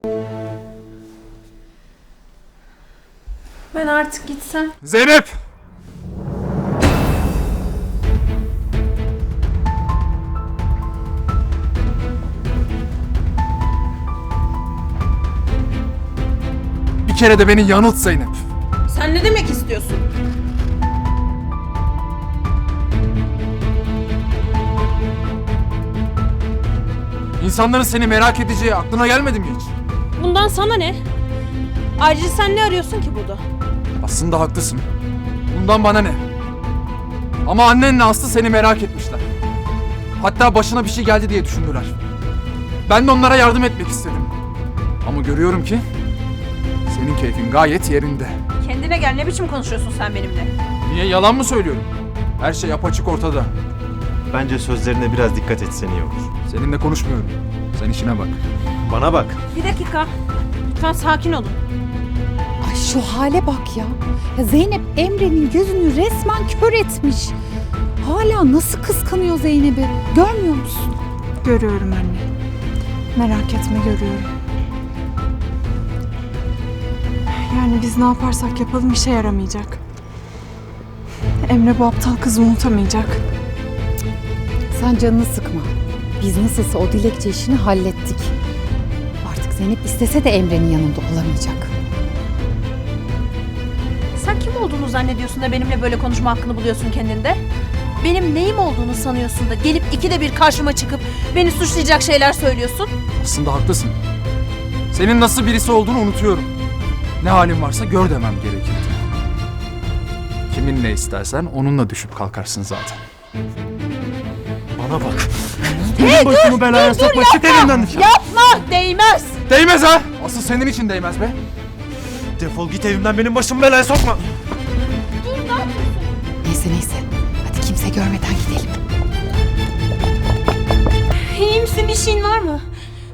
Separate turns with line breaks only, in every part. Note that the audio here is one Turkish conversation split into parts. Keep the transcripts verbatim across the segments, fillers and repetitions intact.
Ben artık gitsem.
Zeynep! Bir kere de beni yanılt Zeynep.
Sen ne demek istiyorsun?
İnsanların seni merak edeceği aklına gelmedi mi hiç?
Bundan sana ne? Ayrıca sen ne arıyorsun ki burada?
Aslında haklısın. Bundan bana ne? Ama annenle Aslı seni merak etmişler. Hatta başına bir şey geldi diye düşündüler. Ben de onlara yardım etmek istedim. Ama görüyorum ki senin keyfin gayet yerinde.
Kendine gel, ne biçim konuşuyorsun sen benimle?
Niye, yalan mı söylüyorum? Her şey apaçık ortada.
Bence sözlerine biraz dikkat etsen iyi olur.
Seninle konuşmuyorum. Sen işine bak.
Bana bak.
Bir dakika. Lütfen sakin olun.
Ay şu hale bak ya. Ya Zeynep Emre'nin gözünü resmen kör etmiş. Hala nasıl kıskanıyor Zeynep'i? Görmüyor musun?
Görüyorum anne. Merak etme, görüyorum. Yani biz ne yaparsak yapalım işe yaramayacak. Emre bu aptal kızı unutamayacak.
Sen canını sıkma. Biz nasılsa o dilekçe işini hallettik. Artık Zeynep istese de Emre'nin yanında olamayacak.
Sen kim olduğunu zannediyorsun da benimle böyle konuşma hakkını buluyorsun kendinde? Benim neyim olduğunu sanıyorsun da gelip ikide bir karşıma çıkıp beni suçlayacak şeyler söylüyorsun?
Aslında haklısın. Senin nasıl birisi olduğunu unutuyorum. Ne halin varsa gör demem gerekirdi. Kimin ne istersen onunla düşüp kalkarsın zaten.
Bana bak. Hey, başımı dur, belaya
dur,
sokma.
dur,
Çık
yapma.
elimden.
Yapma, değmez.
Değmez ha! Asıl senin için değmez be.
Defol git evimden, benim başımı belaya sokma.
Neyse neyse. Hadi kimse görmeden gidelim.
İyi misin, bir şeyin var mı?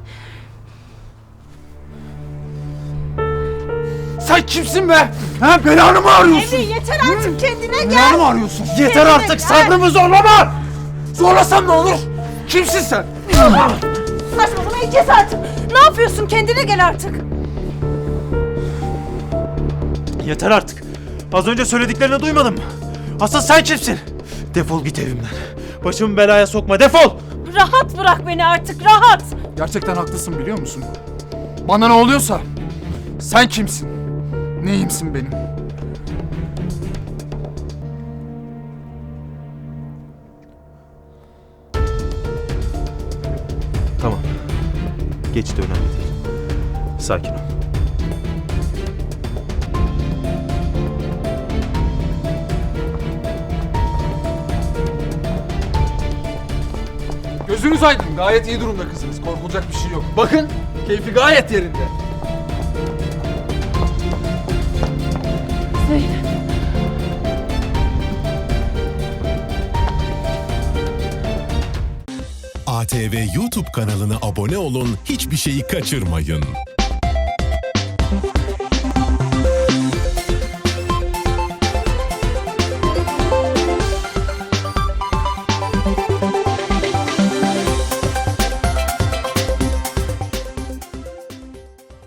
Sen kimsin be? Ha, belanı mı arıyorsun?
Emre yeter artık, kendine gel.
Belanı mı arıyorsun?
Yeter artık, sabrımı zorlama.
Zorlasam ne olur? Kimsin sen?
Saçmalamayı kes artık. Ne yapıyorsun, kendine gel artık.
Yeter artık. Az önce söylediklerini duymadın mı? Asıl sen kimsin? Defol git evimden. Başımı belaya sokma, defol.
Rahat bırak beni artık, rahat.
Gerçekten haklısın, biliyor musun? Bana ne oluyorsa sen kimsin? Neyimsin benim?
Tamam. Geçti, önemli değil. Sakin ol.
Gözünüz aydın, gayet iyi durumda kızınız. Korkulacak bir şey yok. Bakın, keyfi gayet yerinde.
A T V YouTube kanalına abone olun, hiçbir şeyi kaçırmayın.